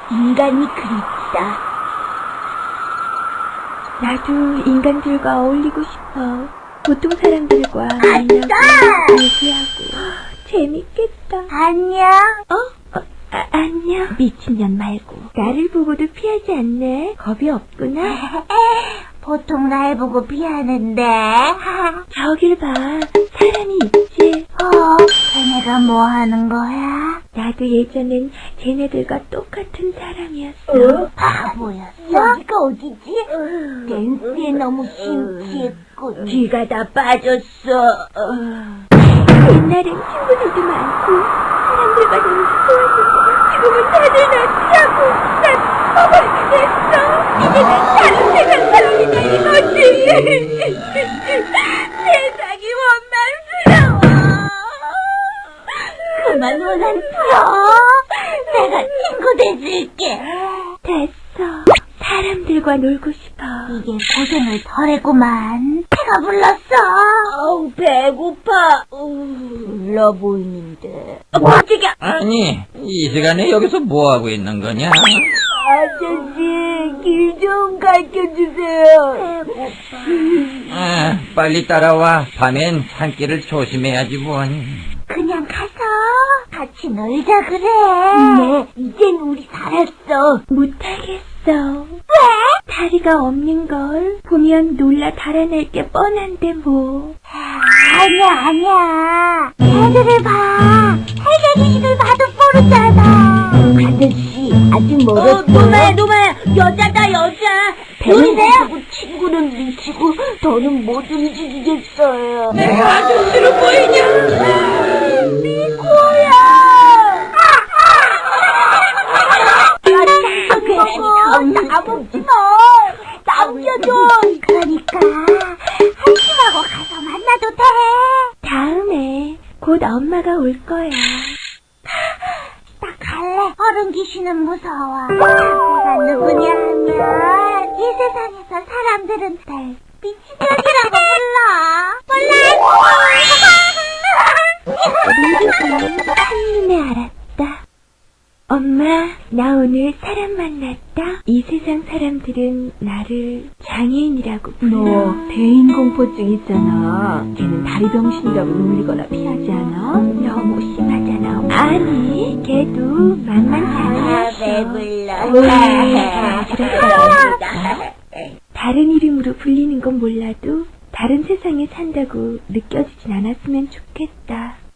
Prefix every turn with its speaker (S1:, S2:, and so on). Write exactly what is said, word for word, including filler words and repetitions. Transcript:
S1: 인간이 그립다.
S2: 나도 인간들과 어울리고 싶어. 보통 사람들과
S1: 아싸!
S2: 얘기하고. 재밌겠다.
S1: 안녕.
S2: 어? 어 아, 안녕. 미친년 말고. 나를 보고도 피하지 않네. 겁이 없구나.
S1: 보통 날 보고 피하는데.
S2: 저길 봐. 사람이 있지.
S1: 어, 쟤네가 뭐 하는 거야?
S2: 나도 예전엔 쟤네들과 똑같은 사람이었어.
S1: 어? 바보였어? 여기가 어디지? 댄스에 너무 심취했고 뒤가 다 빠졌어.
S2: 옛날엔 친구들도 많고 사람들과 너무 좋아지고 지금은 다들 나 피하고 난 퍼버리게 됐어. 이제 난 다른 세상 사람이 되는 거지. 세상이 원망스러워.
S1: 그만 원한 풀어. 내가 친구 돼줄게.
S2: 됐어. 사람들과 놀고 싶어.
S1: 이게 고생을 덜했구만. 배가 불렀어. 어우, 배고파. 불러 보이는데. 어, 깜짝이야.
S3: 아니, 이 시간에 여기서 뭐하고 있는 거냐?
S1: 아저씨, 길 좀 가르쳐주세요. 배고파.
S3: 아, 빨리 따라와. 밤엔 산길을 조심해야지 뭐니.
S1: 그냥 가서 같이 놀자 그래. 네, 이젠 우리 살았어.
S2: 못하겠어.
S1: 왜?
S2: 다리가 없는 걸 보면 놀라 달아날 게 뻔한데 뭐.
S1: 아니야, 아니야. 애들을 봐. 해결이를 봐도 모르잖아. 아저씨, 아직 멀었어. 어, 노마야, 노마야. 여자다, 여자. 배우세요? 친구는 미치고 더는 못 움직이겠어요.
S3: 내가 아저씨로 보이냐?
S1: 미코야. 나 먹지 마. 남겨줘. 그러니까 한심하고 가서 만나도 돼.
S2: 다음에 곧 엄마가 올 거야.
S1: 나 갈래. 어른 귀신은 무서워. 내가 누구냐 하면 이 세상에서 사람들은 날 미친년이라고 불러. 몰라.
S2: 모두가 한눈에 알았다. 엄마, 나 오늘 사람 만났다. 이 세상 사람들은 나를 장애인이라고 불러.
S4: 너 대인공포증 있잖아. 걔는 다리병신이라고 놀리거나 피하지 않아?
S2: 너무 심하잖아. 아니, 걔도 만만치 않았어.
S1: 배불러.
S2: 다른 이름으로 불리는 건 몰라도 다른 세상에 산다고 느껴지진 않았으면 좋겠다.